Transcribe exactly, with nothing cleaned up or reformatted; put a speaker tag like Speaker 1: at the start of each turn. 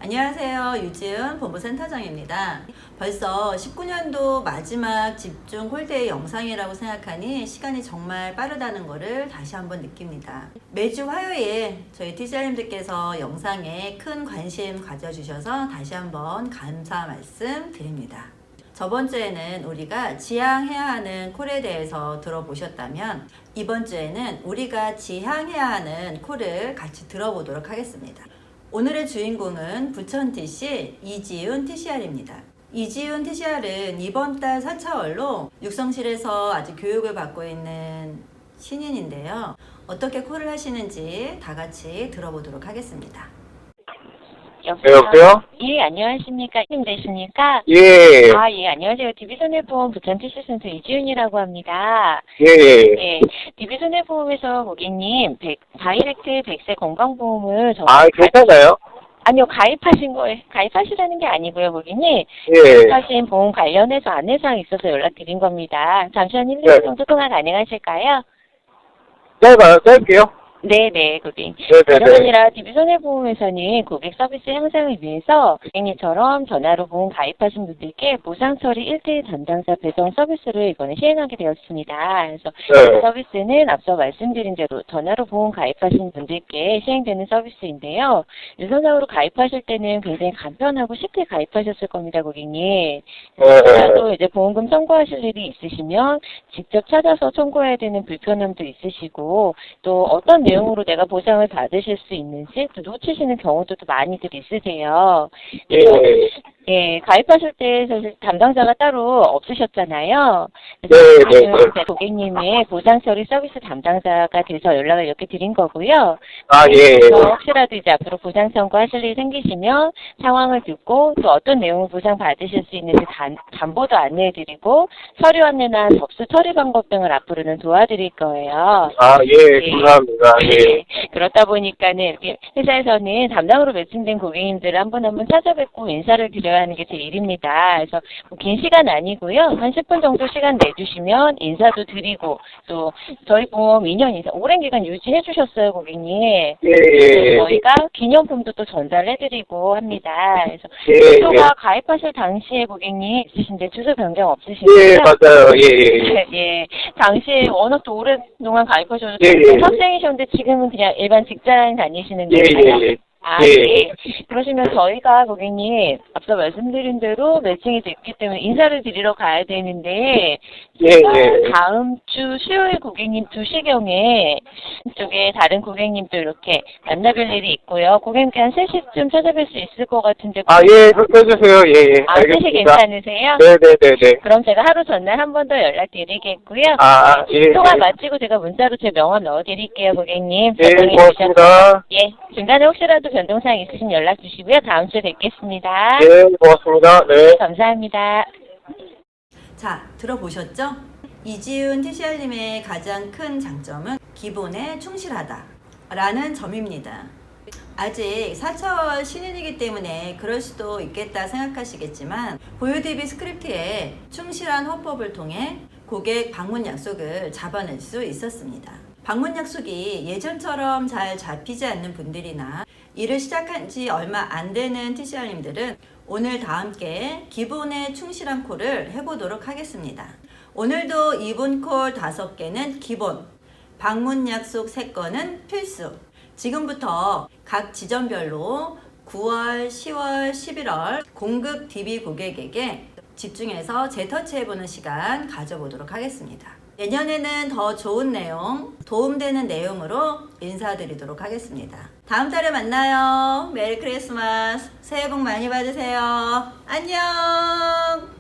Speaker 1: 안녕하세요. 유지은 본부센터장입니다. 벌써 십구 년도 마지막 집중 홀데이 영상이라고 생각하니 시간이 정말 빠르다는 것을 다시 한번 느낍니다. 매주 화요일 저희 티씨알님들께서 영상에 큰 관심 가져주셔서 다시 한번 감사 말씀 드립니다. 저번 주에는 우리가 지향해야 하는 콜에 대해서 들어보셨다면 이번 주에는 우리가 지향해야 하는 콜을 같이 들어보도록 하겠습니다. 오늘의 주인공은 부천 티씨 이지훈 티씨알입니다. 이지훈 티씨알은 이번 달 사 차월로 육성실에서 아직 교육을 받고 있는 신인인데요. 어떻게 콜을 하시는지 다 같이 들어보도록 하겠습니다.
Speaker 2: 네, 여보세요?
Speaker 3: 예, 안녕하십니까. 님 되십니까?
Speaker 2: 예,
Speaker 3: 아, 예, 안녕하세요. 디비손해보험 부천 티씨센터 이지훈이라고 합니다.
Speaker 2: 예, 예.
Speaker 3: 예, 디비손해보험에서 고객님, 백, 다이렉트 백세 건강보험을 저
Speaker 2: 아, 괜찮아요?
Speaker 3: 아니요, 가입하신 거에, 가입하시라는 게 아니고요, 고객님.
Speaker 2: 예.
Speaker 3: 가입하신 보험 관련해서 안내사항이 있어서 연락드린 겁니다. 잠시 한 일, 이
Speaker 2: 네.
Speaker 3: 분 정도 통화 가능하실까요?
Speaker 2: 짧아요, 짧게요?
Speaker 3: 네네, 고객님.
Speaker 2: 네네네.
Speaker 3: 그런 아니라 디비손해보험에서는 고객 서비스 향상을 위해서 고객님처럼 전화로 보험 가입하신 분들께 보상 처리 일 대일 담당자 배송 서비스를 이번에 시행하게 되었습니다. 그래서
Speaker 2: 네.
Speaker 3: 그 서비스는 앞서 말씀드린 대로 전화로 보험 가입하신 분들께 시행되는 서비스인데요. 유선상으로 가입하실 때는 굉장히 간편하고 쉽게 가입하셨을 겁니다, 고객님.
Speaker 2: 네.
Speaker 3: 또 이제 보험금 청구하실 일이 있으시면 직접 찾아서 청구해야 되는 불편함도 있으시고 또 어떤 내용으로 내가 보상을 받으실 수 있는지 또 놓치시는 경우도 또 많이들 있으세요.
Speaker 2: 예.
Speaker 3: 예, 가입하실 때 사실 담당자가 따로 없으셨잖아요.
Speaker 2: 네,
Speaker 3: 그래서
Speaker 2: 네,
Speaker 3: 지금 고객님의 보상 처리 서비스 담당자가 돼서 연락을 이렇게 드린 거고요.
Speaker 2: 아, 예.
Speaker 3: 그래서 혹시라도 이제 앞으로 보상 청구하실 일이 생기시면 상황을 듣고 또 어떤 내용을 보상 받으실 수 있는지 단, 담보도 안내해드리고 서류 안내나 접수 처리 방법 등을 앞으로는 도와드릴 거예요.
Speaker 2: 아, 예, 감사합니다. 예.
Speaker 3: 네. 그렇다 보니까는 이렇게 회사에서는 담당으로 매칭된 고객님들을 한 분 한 분 찾아뵙고 인사를 드려야 하는 게 제 일입니다. 그래서 뭐 긴 시간 아니고요. 한 십 분 정도 시간 내주시면 인사도 드리고 또 저희 보험 이 년 이상 오랜 기간 유지해 주셨어요, 고객님.
Speaker 2: 예,
Speaker 3: 그래서
Speaker 2: 예.
Speaker 3: 저희가 기념품도 또 전달해드리고 합니다. 그래서
Speaker 2: 예,
Speaker 3: 주소가
Speaker 2: 예.
Speaker 3: 가입하실 당시에 고객님 있으신데 주소 변경
Speaker 2: 예,
Speaker 3: 없으신가요?
Speaker 2: 맞아요. 예, 예.
Speaker 3: 예, 당시에 워낙 또 오랫동안 가입하셨는데
Speaker 2: 예, 예.
Speaker 3: 학생이셨는데 지금은 그냥 일반 직장 다니시는
Speaker 2: 예,
Speaker 3: 건가요?
Speaker 2: 예, 예.
Speaker 3: 아,
Speaker 2: 예.
Speaker 3: 네. 그러시면 저희가 고객님 앞서 말씀드린 대로 매칭이 됐기 때문에 인사를 드리러 가야 되는데
Speaker 2: 예, 예.
Speaker 3: 다음 주 수요일 고객님 두 시경에 쪽에 다른 고객님도 이렇게 만나뵐 일이 있고요. 고객님께 한 세 시쯤 찾아뵐 수 있을 것 같은데
Speaker 2: 아, 예, 해주세요. 예, 예.
Speaker 3: 아, 세 시
Speaker 2: 알겠습니다.
Speaker 3: 괜찮으세요?
Speaker 2: 네네네네.
Speaker 3: 그럼 제가 하루 전날 한 번 더 연락드리겠고요.
Speaker 2: 아, 예.
Speaker 3: 통화
Speaker 2: 예.
Speaker 3: 마치고 제가 문자로 제 명함 넣어드릴게요, 고객님.
Speaker 2: 예,
Speaker 3: 변동해
Speaker 2: 고맙습니다.
Speaker 3: 주셔서. 예, 중간에 혹시라도 변동사항 있으시면 연락 주시고요. 다음 주에 뵙겠습니다.
Speaker 2: 예, 고맙습니다. 네.
Speaker 3: 감사합니다.
Speaker 1: 자, 들어보셨죠? 이지훈 티씨알님의 가장 큰 장점은 기본에 충실하다 라는 점입니다. 아직 사 차월 신인이기 때문에 그럴 수도 있겠다 생각하시겠지만 보유 대비 스크립트에 충실한 화법을 통해 고객 방문 약속을 잡아낼 수 있었습니다. 방문 약속이 예전처럼 잘 잡히지 않는 분들이나 일을 시작한 지 얼마 안 되는 티씨알님들은 오늘 다 함께 기본에 충실한 콜을 해보도록 하겠습니다. 오늘도 이분 콜 다섯 개는 기본, 방문 약속 세 건은 필수. 지금부터 각 지점별로 구월, 시월, 십일월 공급 디비 고객에게 집중해서 재터치해보는 시간 가져보도록 하겠습니다. 내년에는 더 좋은 내용, 도움되는 내용으로 인사드리도록 하겠습니다. 다음 달에 만나요. 메리 크리스마스. 새해 복 많이 받으세요. 안녕.